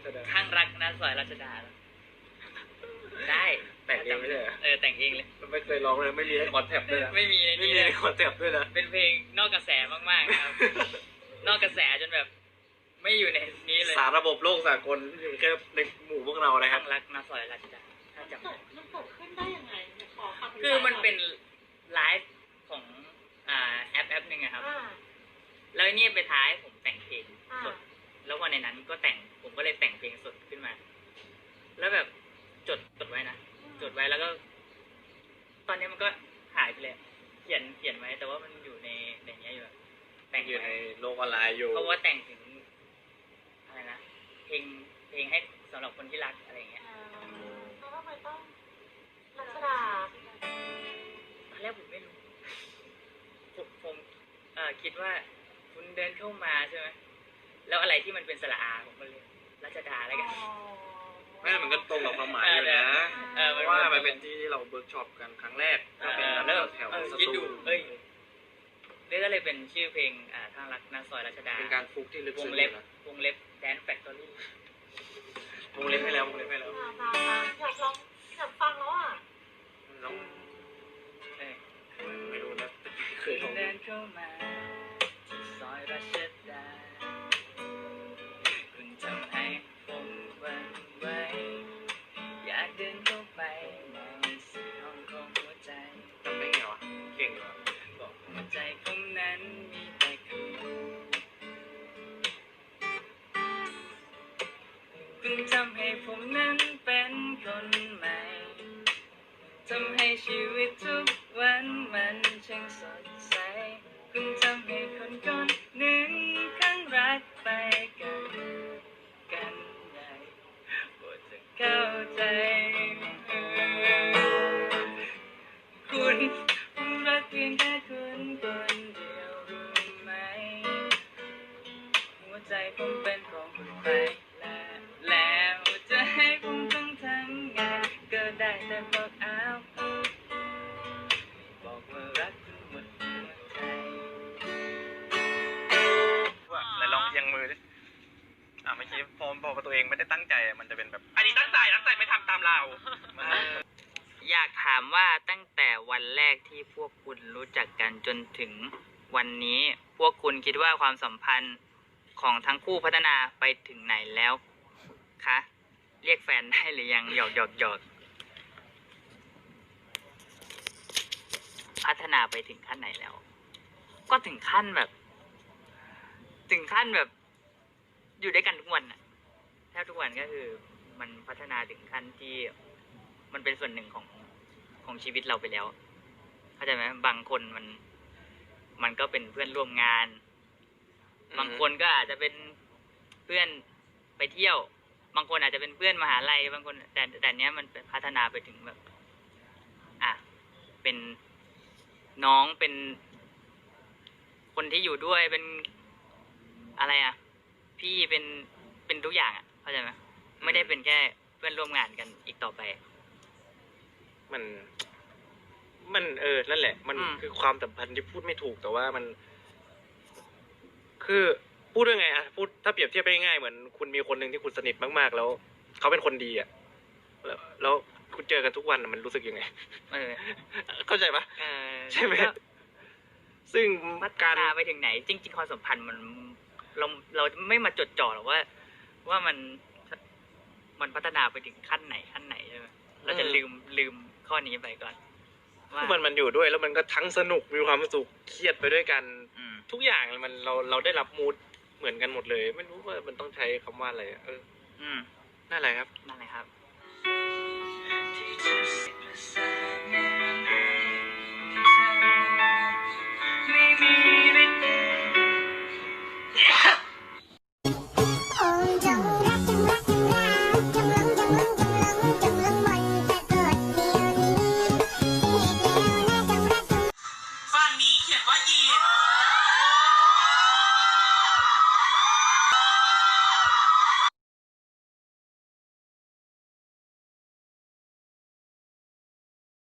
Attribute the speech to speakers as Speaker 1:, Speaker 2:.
Speaker 1: ชดา
Speaker 2: ข้างรักนะซอยรัชดาได้
Speaker 1: แต่งเองไม่ใช่เหรอ
Speaker 2: แต่งเองเลย
Speaker 1: ไม่เคยร้องเลยไม่มีในคอนแทปด้วยนะ
Speaker 2: ไม่มี
Speaker 1: ในคอนแทปด้วยนะ
Speaker 2: เป็นเพลงนอกกระแสมากๆนะครับนอกกระแสจนแบบไม่อยู่ในนี้เลย
Speaker 1: สารระบบโลกสากลอยู่แค่ในหมู่พวกเรานะครับ
Speaker 2: ข้างรักนะซอยรัชดาถ้าจำได้
Speaker 3: มันเกิดขึ้นได้ยังไงขอคำ
Speaker 2: คือมันเป็นไลฟ์ของแอปหนึ่งอะครับแล้วนี่ไปท้ายผมแต่งเพลงสดแล้ววันในนั้นก็ผมก็เลยแต่งเพลงสดขึ้นมาแล้วแบบจดไว้นะจดไว้แล้วก็ตอนนี้มันก็หายไปเลยเขียนไว้แต่ว่ามันอยู่ในนี้อยู่แต่ง
Speaker 1: อยู่ในโลกออนไลน์อยู่
Speaker 2: เพราะว่าแต่งถึงอะไรนะเพลงให้สำหรับคนที่รักอะไรอย่างเงี้ย
Speaker 3: แล้วทำไมต้องรัชดา
Speaker 2: ตอนแรกผมไม่รู้ผมคิดว่าคุณเดินเข้ามาใช่ไหมแล้วอะไรที่มันเป็นสระอาผมก็เลยรัชดาอะไรกัน
Speaker 1: ไม่มันก็ตรงกับความหมายอยู่นะเพราะว่ามันเป็นที่ที่เราเวิร์กช็อปกันครั้งแรกก็เป็นแถว
Speaker 2: คิดดูนี่ก็เลยเป็นชื่อเพลงทางรักนาซอยรัชดา
Speaker 1: เป็นการฟุกที่ลึกซึ้งนะ
Speaker 2: วงเล็บแดนแฟคทอรี่
Speaker 1: วงเล็บให้แล้ว
Speaker 3: อยากฟังแล้วอ่ะ
Speaker 1: ลองไม่รู้นะเคยลอง
Speaker 2: เดินเข้ามาที่ซอยรัชดาคุณทำให้ผมหวั่นไหวอยากเดินเข้าไปในสี่ห้องของหัวใจ
Speaker 1: ทำได้ไงวะเก่งเหรอ
Speaker 2: บอกหัวใจผมนั้นมีแต่คุณทำให้ผมนั้นเป็นคนใหม่ทำให้ชีวิตทุกวันมันช่างสดใสคุณทำให้คนหนึ่งข้างรักไปกันใหญ่โปรดจะเข้าใจคุณรักเพียงแค่คุณคนเดียวรู้ไหมหัวใจผมเป็นของคุณไปแล้วจะให้ผมต้องทำไงก็ได้แต่บอกว่ารักคุณหมดหัวใจ
Speaker 1: แล้วลองเอียงมือดิเมื่อกี้พอบอกว่าตัวเองไม่ได้ตั้งใจมันจะเป็นแบบอันนี้ตั้งใจไม่ทำตามเรา
Speaker 2: อยากถามว่าตั้งแต่วันแรกที่พวกคุณรู้จักกันจนถึงวันนี้พวกคุณคิดว่าความสัมพันธ์ของทั้งคู่พัฒนาไปถึงไหนแล้วคะเรียกแฟนได้หรือยังหยอกพัฒนาไปถึงขั้นไหนแล้วก็ถึงขั้นแบบอยู่ด้วยกันทุกวันน่ะแทบทุกวันก็คือมันพัฒนาถึงขั้นที่มันเป็นส่วนหนึ่งของชีวิตเราไปแล้วเข้าใจไหมบางคนมันก็เป็นเพื่อนร่วมงานบางคนก็อาจจะเป็นเพื่อนไปเที่ยวบางคนอาจจะเป็นเพื่อนมหาลัยบางคนแต่เนี้ยมันพัฒนาไปถึงแบบเป็นน้องเป็นคนที่อยู่ด้วยเป็นอะไรพี่เป็นทุกอย่างเข้าใจไหมไม่ได้เป็นแค่เพื่อนร่วมงานกันอีกต่อไป
Speaker 1: มันนั่นแหละมันคือความสัมพันธ์ที่พูดไม่ถูกแต่ว่ามันคือพูดยังไงพูดถ้าเปรียบเทียบไปง่ายเหมือนคุณมีคนหนึ่งที่คุณสนิทมากๆแล้วเขาเป็นคนดีแล้วคุณเจอกันทุกวันมันรู้สึกยังไงเข้าใจปะใช่ไหมซึ่ง
Speaker 2: พัฒนาไปถึงไหนจริงๆความสัมพันธ์เราไม่มาจดจ่อหรอกว่ามันพัฒนาไปถึงขั้นไหนใช่ไหมเราจะลืมข้อนี้ไปก่อน
Speaker 1: ว่ามันอยู่ด้วยแล้วมันก็ทั้งสนุกมีความสุขเครียดไปด้วยกันทุกอย่างมันเราได้รับมูดเหมือนกันหมดเลยไม่รู้ว่ามันต้องใช้คำว่าอะไรนั่นแหละครับ
Speaker 2: ที่จะ